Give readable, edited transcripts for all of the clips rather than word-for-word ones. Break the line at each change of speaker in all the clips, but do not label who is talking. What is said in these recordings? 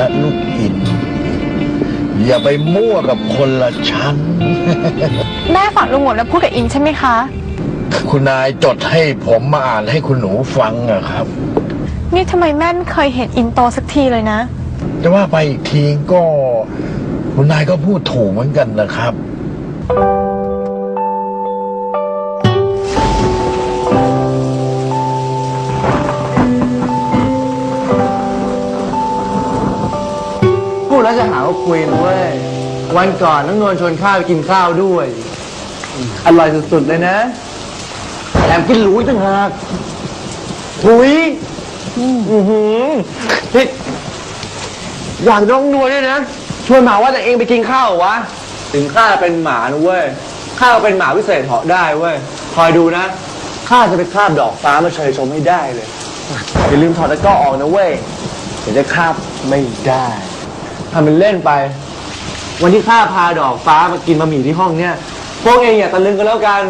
นะลูกอินอย่าไปมั่วกับคนละชั้น
แม่ฝากลุงหมดแล้วพูดกับอินใช่ไหมคะ
คุณนายจดให้ผมมาอ่านให้คุณหนูฟังอะครับ
นี่ทำไมแม่ไม่เคยเห็นอินโตสักทีเลยนะ
แต่ว่าไปอีกทีก็คุณนายก็พูดถูกเหมือนกันนะครับ
พูดแล้วจะหาว่าคุยนะเว้ยวันก่อนน้องนวลชวนข้าวไปกินข้าวด้วยอร่อยสุดๆเลยนะแถมกินหรูอีกต่างหากหุยนี่อยากน้องนวลด้วยนะชวนหมาว่าแต่เองไปกินข้าววะถึงข้าเป็นหมานะเว้ยข้าเป็นหมาวิเศษเหาะได้เว้ยคอยดูนะข้าจะไปคาบดอกฟ้ามาเชยชมให้ได้เลยอย่าลืมถอดตะกร้อออกนะเว้ยเดี๋ยวจะคาบไม่ได้ทำเป็นเล่นไปวันที่ข้าพาดอกฟ้ามากินบะหมี่ที่ห้องเนี่ยพวกเองอย่าตะลึงกันแล้วกัน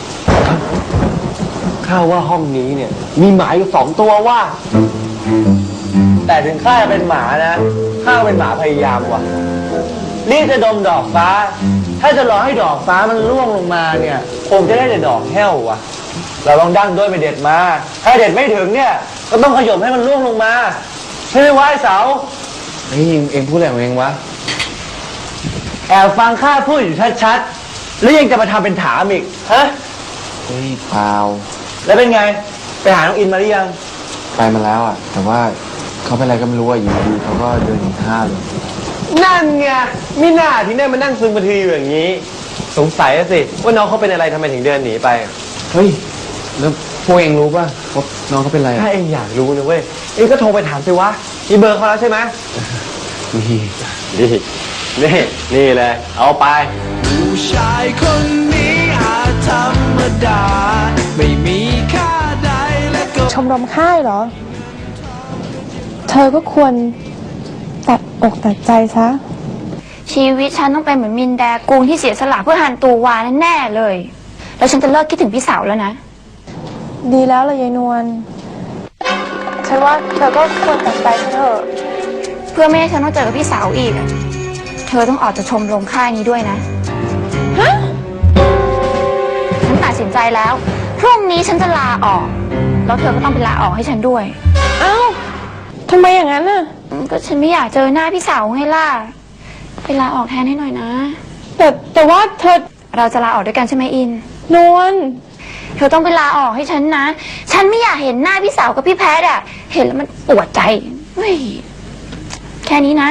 ข้าว่าห้องนี้เนี่ยมีหมาอยู่2 ตัวว่าแต่ถึงข้าจะเป็นหมานะข้าเป็นหมาพยายามว่ะรีบจะดมดอกฟ้าถ้าจะรอให้ดอกฟ้ามันร่วงลงมาเนี่ยคงจะได้แต่ดอกแห้วว่ะเราลองดั้งด้วยไปเด็ดมาถ้าเด็ดไม่ถึงเนี่ยก็ต้องขย่มให้มันร่วงลงมาใช่ไหมวะไอ้เสาเฮ้ยเองพูดอะไรของเองวะแอบฟังข้าพูดอยู่ชัดๆแล้วยังจะมาทำเป็นถามอีกฮะเฮ้ยเปล่าแล้วเป็นไงไปหาน้องอินมาหรือยังไปมาแล้วอ่ะแต่ว่าเขาเป็นอะไรก็ไม่รู้อ่ะอยู่ดีเขาก็เดินหนีข้าเลยนั่นไงมิน่าที่ได้มานั่งซึมบันทีอยู่อย่างนี้สงสัยสิว่าน้องเขาเป็นอะไรทำไมถึงเดินหนีไปเฮ้ยแล้วพวกเองรู้ป่ะว่าน้องเขาเป็นอะไรถ้าเองอยากรู้นะเว้ยเองก็โทรไปถามสิวะมีเบอร์เขาแล้วใช่ไหมนี่เลยเอาไปผู้ชายคนนี้อาจธรรมดาไม่มีค่าใดและก็
ชมรมค่ายเหรอเธอก็ควรตัดอกตัดใจซะ
ชีวิตฉันต้องเป็นเหมือนมินแดกูงที่เสียสละเพื่อหันตูวาแน่ๆเลยแล้วฉันจะเลิกคิดถึงพี่สาวแล้วนะ
ดีแล้วเลยยายนวลฉันว่าเธอก็ควรตัดใจเถอะ
เพื่อไม่ให้ฉันต้องเจอกับพี่สาวอีกเธอต้องออกจากชมรมค่ายนี้ด้วยนะ
ฮะ
ฉันตัดสินใจแล้วพรุ่งนี้ฉันจะลาออกแล้วเธอก็ต้องไปลาออกให้ฉันด้วย
เอ้าทำไมอย่างนั้นน่ะ
ก็ฉันไม่อยากเจอหน้าพี่สาวไงล่ะไปลาออกแทนให้หน่อยนะ
แต่ว่าเธอ
เราจะลาออกด้วยกันใช่ไหมอิน
นวล
เธอต้องไปลาออกให้ฉันนะฉันไม่อยากเห็นหน้าพี่สาวกับพี่แพทย์เห็นแล้วมันปวดใจเฮ้ยแค่นี้นะ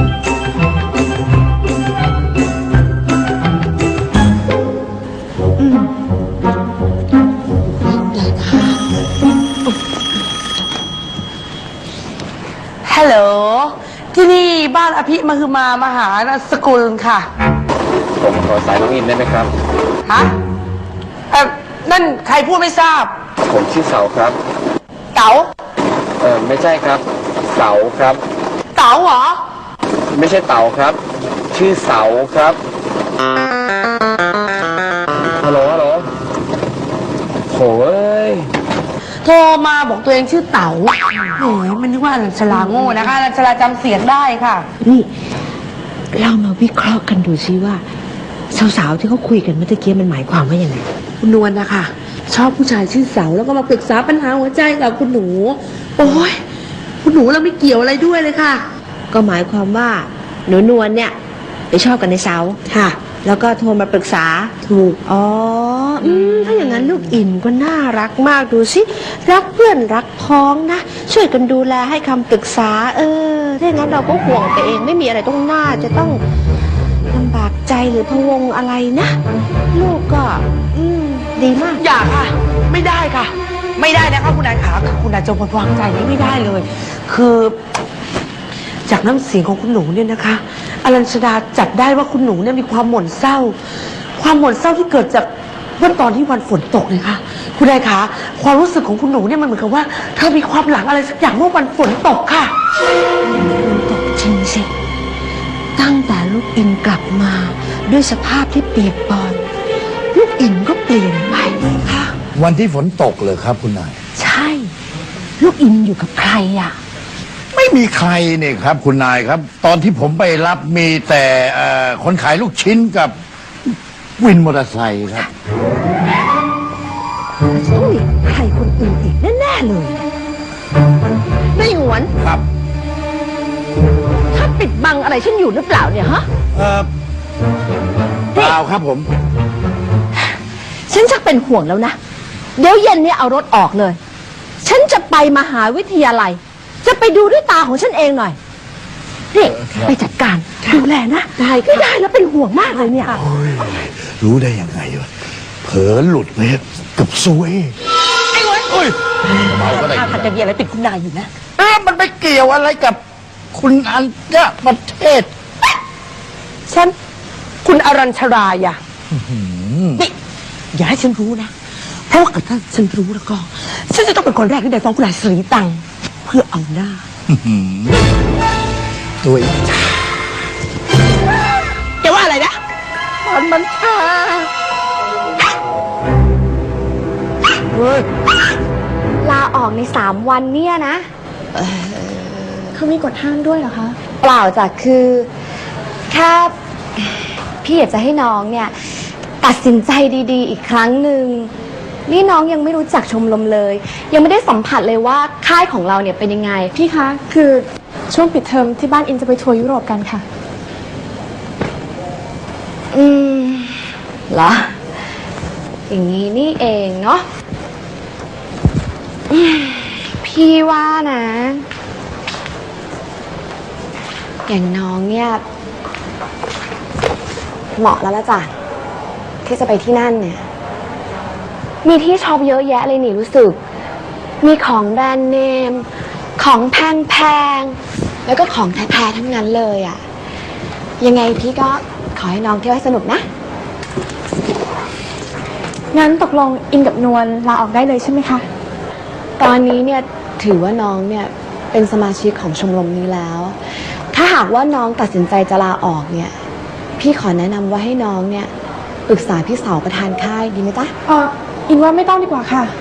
ฮัลโหลที่นี่บ้านอภิมหึมามหาสกุลค่ะ
ผมขอสายน้องอินได้ไหมครับ
ฮะนั่นใครพูดไม่ทราบ
ผมชื่อเสาครับ
เต๋า
ไม่ใช่ครับเสาครับ
เต๋าเหรอ
ไม่ใช่เต๋าครับชื่อเสาครับฮัลโหลโหย
โทรมาบอกตัวเองชื่อเต๋าแหมมันนึกว่าอนัญชลาโง่นะคะอนัญชลาจำเสียงได้ค่ะ
นี่เรามาวิเคราะห์กันดูซิว่าสาวๆที่เขาคุยกันเมื่อกี้มันหมายความว่าอย่างไร
คุณนวลนะคะชอบผู้ชายชื่อเสาแล้วก็มาปรึกษาปัญหาหัวใจกับคุณหนูโอ้ยคุณหนูเราไม่เกี่ยวอะไรด้วยเลยค่ะ
ก็หมายความว่าหนูนวลเนี่ยไปชอบกันในเสา
ค่ะ
แล้วก็โทรมาปรึกษา
ถูก
อ๋อถ้าอย่างนั้นลูกอินก็น่ารักมากดูสิรักเพื่อนรักพ้องนะช่วยกันดูแลให้คำปรึกษาถ้าอย่างนั้นเราก็ห่วงตัวเองไม่มีอะไรต้องน่าจะต้องลำบากใจหรือพะวงอะไรนะลูกก็ดีมาก
อย่าค่ะไม่ได้ค่ะไม่ได้นะคะคุณนายขาคุณนายจะวางใจนี้ไม่ได้เลยคือจากน้ำเสียงของคุณหนูเนี่ยนะคะอรัญชดาจับได้ว่าคุณหนูเนี่ยมีความหม่นเศร้าที่เกิดจากเมื่อตอนที่วันฝนตกเลยค่ะคุณนายขาความรู้สึกของคุณหนูเนี่ยมันเหมือนกับว่าเธอมีความหลังอะไรสักอย่างเมื่อวันฝนตกค่ะ
ฝนตกจริงสิตั้งแต่ลูกอินกลับมาด้วยสภาพที่เปียกปอนลูกอินก็เปลี่ยนไปค่ะ
วันที่ฝนตกเลยครับคุณนาย
ใช่ลูกอินอยู่กับใครอ่ะ
ไม่
มีใครเนี่ยครับ คุณนายครับ ตอนที่ผมไปรับมีแต่คนขายลูกชิ้นกับวินมอเตอร์ไซค์ครับ
ต้องมีใครคนอื่นอีกแน่ๆเลยนายหวน
ครับ
ถ้าปิดบังอะไรฉันอยู่หรือเปล่าเนี่ยฮะ
เปล่าครับผม
ฉันชักเป็นห่วงแล้วนะ เดี๋ยวเย็นนี้เอารถออกเลย ฉันจะไปมหาวิทยาลัย จะไปดูด้วยตาของฉันเองหน่อยนี่ไปจัดการดูแลนะได้ไม่ได้แล้วเป็นห่วงมากเลยเนี่ย
รู้ได้ยังไงวะเผลอหลุดไปกับซวย
ไอ้หวน
เฮ้ยเมาก็ได้
ถ้าทางจะมีอะไรติดคุณนายอยู่นะ
มันไปเกี่ยวอะไรกับคุณอัญญประเทศ
ฉัน คุณอรัญชรายอะนี่อย่าให้ฉันรู้นะ เพราะว่าถ้าฉันรู้แล้วก็ ฉันจะต้องเป็นคนแรกที่ได้ฟ้องคุณนายสีตังค์เพื่อเอาหน้า
ตัวอีก
แกว่าอะไรนะ
มันชาเฮ้ย
ลาออกใน3 วันเนี่ยนะเขามีกฎห้ามด้วยเหรอคะ เปล่าจ้ะคือแค่พี่อยากจะให้น้องเนี่ย ตัดสินใจดีๆ อีกครั้งหนึ่งนี่น้องยังไม่รู้จักชมรมเลย ยังไม่ได้สัมผัสเลยว่าค่ายของเราเนี่ยเป็นยังไง พี่คะ คือช่วงปิดเทอมที่บ้านอินจะไปทัวร์ยุโรปกันค่ะ เหรอ อย่างนี้นี่เองเนาะพี่ว่านะ อย่างน้องเนี่ย เหมาะแล้วละจ้ะที่จะไปที่นั่นเนี่ย มีที่ช็อปเยอะแยะเลยนี่รู้สึก มีของแบรนด์เนม ของแพงๆ แล้วก็ของแท้ๆทั้งนั้นเลยอะ่ะ ยังไงพี่ก็ขอให้น้องเที่ยวให้สนุกนะ งั้นตกลงอินกับนวลลาออกได้เลยใช่ไหมคะ ตอนนี้เนี่ยถือว่าน้องเนี่ยเป็นสมาชิกของชมรมนี้แล้ว ถ้าหากว่าน้องตัดสินใจจะลาออกเนี่ย พี่ขอแนะนำว่าให้น้องเนี่ยปรึกษาพี่สาวประธานค่ายดีไหมจ๊ะอินว่าไม่ต้องดีกว่าค่ะ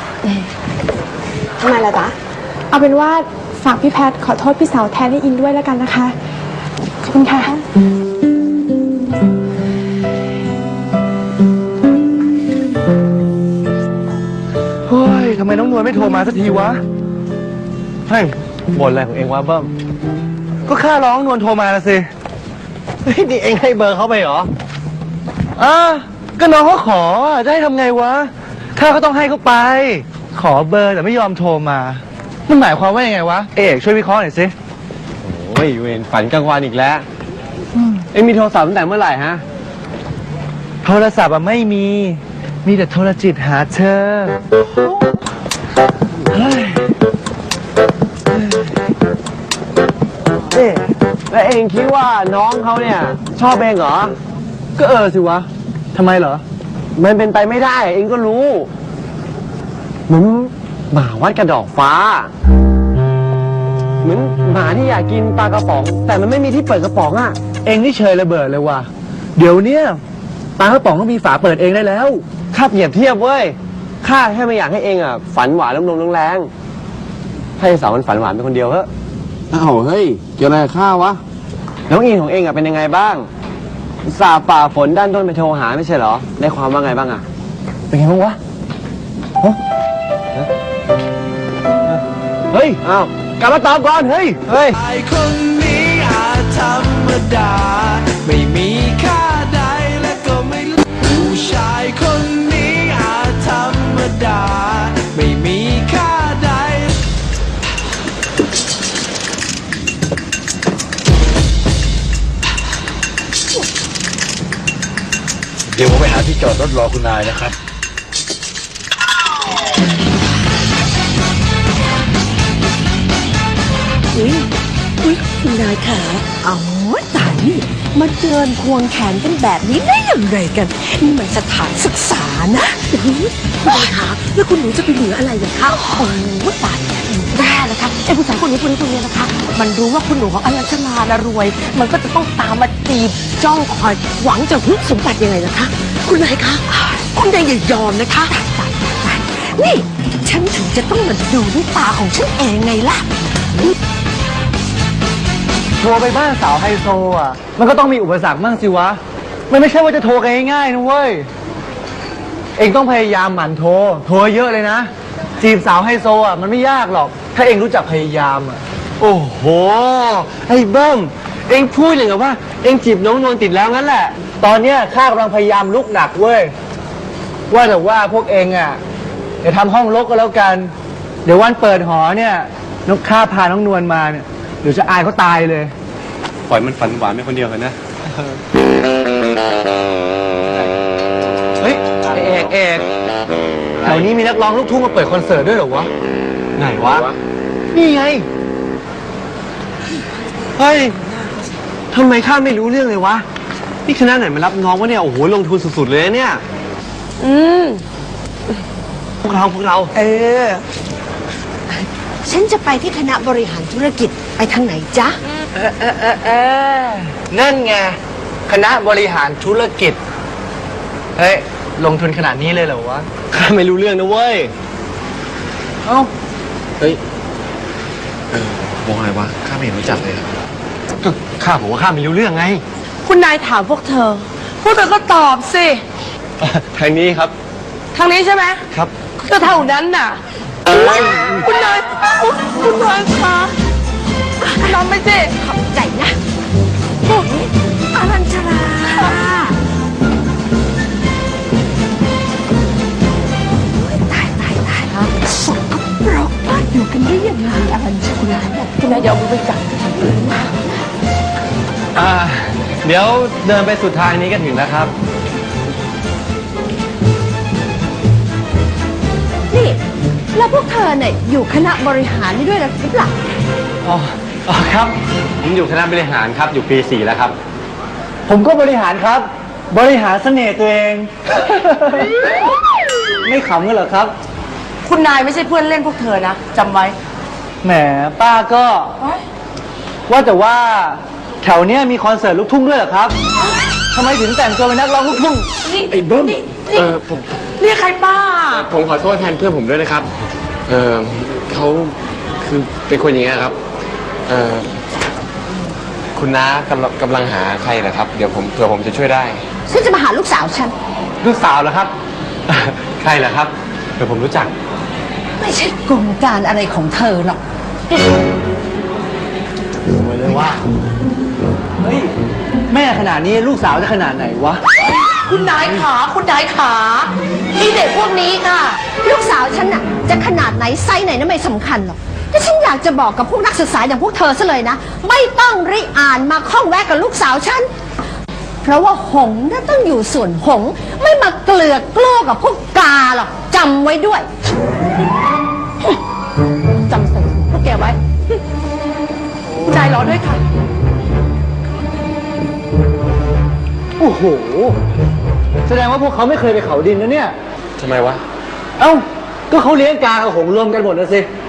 ทำไมล่ะจ๊ะ เอาเป็นว่าฝากพี่แพทขอโทษพี่สาวแทนให้อินด้วยแล้วกันนะคะ ขอบคุณค่ะ
เฮ้ย ทำไมน้องนวลไม่โทรมาสักทีวะ เฮ้ยบ่นอะไรของเองวะเบิ้ม ก็ข้าร้องนวลโทรมาละสิ เฮ้ย นี่เองให้เบอร์เขาไปเหรอก็น้องเขาขอจะให้ทำไงวะ ข้าก็ต้องให้เขาไป ขอเบอร์แต่ไม่ยอมโทรมา มันหมายความว่ายังไงวะ เอกช่วยวิเคราะห์หน่อยสิ
โอ้ยเวรฝันกลางวันอีกแล้ว เอ็งมีโทรศัพท์ตั้งแต่เมื่อไหร่ฮะ
โทรศัพท์อะไม่มี มีแต่โทรจิตหาเธอ เฮ้ยเอ๊ะ
แล้วเอ็งคิดว่าน้องเขาเนี่ย ชอบเองเหรอ
ก็สิวะ ทำไมเหรอ
มันเป็นไปไม่ได้ เอ็งก็รู้เหมือนหมาวัดกระดอกฟ้า เหมือนหมาที่อยากกินปลากระป๋อง แต่มันไม่มีที่เปิดกระป๋องอ่ะ
เองนี่เชยระเบิดเลยว่ะ เดี๋ยวเนี้ยปลากระป๋องต้องมีฝาเปิดเองได้แล้ว
ข้าเปรียบเทียบเว้ย ข้าแค่ไม่อยากให้เองอ่ะฝันหวานลมๆแรงๆให้สาวมันฝันหวานเป็นคนเดียวเถอะ
อ้าวเฮ้ยเกี่ยวอะไรกับข้าวะ
น้องอินของเองอ่ะเป็นยังไงบ้างอุตส่าห์ฝ่าฝนด้านต้นไปโทรหาไม่ใช่เหรอ ได้ความว่าไงบ้างอ่ะ
เป็นไงบ้างวะ
เฮ้ย อ้าว กลับมาตอบก่อน เฮ้ย เฮ้ย
ชายคนนี้อาจธรรมดา ไม่มีค่าใดและก็ไม่ผู้ชายคนนี้อาจธรรมดา ไม่มีค่าใด
เดี๋ยวผมไปหาที่จอดรถรอคุณนายนะครับ
อุ๊ยคุณนายขาอ๋อตายนี่มาเดินควงแขนกันแบบนี้ได้อย่างไรกัน นี่มันสถานศึกษานะอุ๊ยคุณนายขาแล้วคุณหนูจะไปเหลืออะไรอย่างคะโอ้ตายแย่นะคะไอ้ผู้ชายคนนี้นะคะ มันรู้ว่าคุณหนูของอลัญชนาละรวย มันก็จะต้องตามมาจีบจ้องคอยหวังจะฮึดสมบัติยังไงนะคะ คุณนายคะคุณนายอย่ายอมนะคะตายนี่ฉันถึงจะต้องมาดูด้วยตาของฉันเองไงล่ะ
โทรไปบ้านสาวไฮโซอ่ะ มันก็ต้องมีอุปสรรคมั่งสิวะ มันไม่ใช่ว่าจะโทรกันง่ายๆนะเว้ย เองต้องพยายามหมั่นโทร โทรเยอะเลยนะ จีบสาวไฮโซอ่ะมันไม่ยากหรอก ถ้าเองรู้จักพยายามอ่ะ
โอ้โห ไอ้เบิ้ม เองพูดอย่างกับว่า เองจีบน้องนวลติดแล้วงั้นแหละ
ตอนเนี้ยข้ากำลังพยายามลุกหนักเว้ย ว่าแต่ว่าพวกเองอ่ะเดี๋ยวทำห้องรกก็แล้วกัน เดี๋ยววันเปิดหอเนี่ยนกข้าพาน้องนวลมาเนี่ยเดี๋ยวจะอายเขาตายเลย
ปล่อยมันฝันหวานไปคนเดียวกันนะ
เฮ้ยเอกแถวนี้มีนักร้องลูกทุ่งมาเปิดคอนเสิร์ตด้วยเหรอวะ
ไหนวะ
นี่ไง
เฮ้ย ทำไมข้าไม่รู้เรื่องเลยวะ นี่คณะไหนมารับน้องวะเนี่ย โอ้โห ลงทุนสุดๆเลยเนี่ย พวกเรา
ฉันจะไปที่คณะบริหารธุรกิจไปทางไหนจ๊ะ
นั่นไง คณะบริหารธุรกิจ เฮ้ย ลงทุนขนาดนี้เลยเหรอวะ
ข้าไม่รู้เรื่องนะเว้ย
เอ้า
เฮ้ย วงอะไรวะ ข้าไม่เห็นรู้จักเลยครับ
ก็ข้าบอกว่าข้าไม่รู้เรื่องไง
คุณนายถามพวกเธอ พวกเธอก็ตอบสิ
ทางนี้ครับ
ทางนี้ใช่ไหม
ครับ
ก็เท่านั้นน่ะ คุณนายคุณนายคะนำไปสิ
ขอบใจนะอรัญชราตายสกปรกอยู่กันได้ยังไงอรัญชรา
คุณนายอย่าเอามือไปจับ
เดี๋ยวเดินไปสุดทางนี้ก็ถึงแล้วครับ
นี่ แล้วพวกเธอเนี่ยอยู่คณะบริหารนี่ด้วยหรือเปล่า
อ๋อครับ
ผมอยู่คณะบริหารครับ อยู่ปี 4 แล้วครับ
ผมก็บริหารครับ บริหารเสน่ห์ตัวเอง ไม่ขำกันเหรอครับ
คุณนายไม่ใช่เพื่อนเล่นพวกเธอนะจำไว้
แหมป้าก็ ว่าแต่ว่าแถวเนี้ยมีคอนเสิร์ตลูกทุ่งด้วยเหรอครับทำไมถึงแต่งตัวเป็นนักร้องลูกทุ่ง
ไอ้เบิ้มผม
เรียกใครป้า
ผมขอโทษแทนเพื่อนผมด้วยนะครับ เขาคือเป็นคนอย่างเงี้ยครับ คุณน้ากำลังหาใครเหรอครับ เดี๋ยวเผื่อผมจะช่วยได้
ฉันจะมาหาลูกสาวฉัน
ลูกสาวเหรอครับ ใครเหรอครับเดี๋ยวผมรู้จัก
ไม่ใช่กลการอะไรของเธอหรอก
ไปเลยว่า เฮ้ย แม่ขนาดนี้ลูกสาวจะขนาดไหนวะ
คุณนายขาคุณนายขาที่เด็กพวกนี้ค่ะ
ลูกสาวฉันน่ะจะขนาดไหนไซส์ไหนนั่นไม่สำคัญหรอกแต่ฉันอยากจะบอกกับพวกนักศึกษาอย่างพวกเธอซะเลยนะ ไม่ต้องริอ่านมาข้องแวะกับลูกสาวฉัน เพราะว่าหงส์น่ะต้องอยู่ส่วนหงส์ไม่มาเกลือกกลัวกับพวกกาหรอกจำไว้ด้วย
จำใส่พวกแกไว้คุณนายรอด้วยค่ะ
โอ้โห แสดงว่าพวกเขาไม่เคยไปเขาดินนะเนี่ย
ทำไมวะ
เอ้า ก็เขาเลี้ยงกากับหงส์รวมกันหมดนะสิ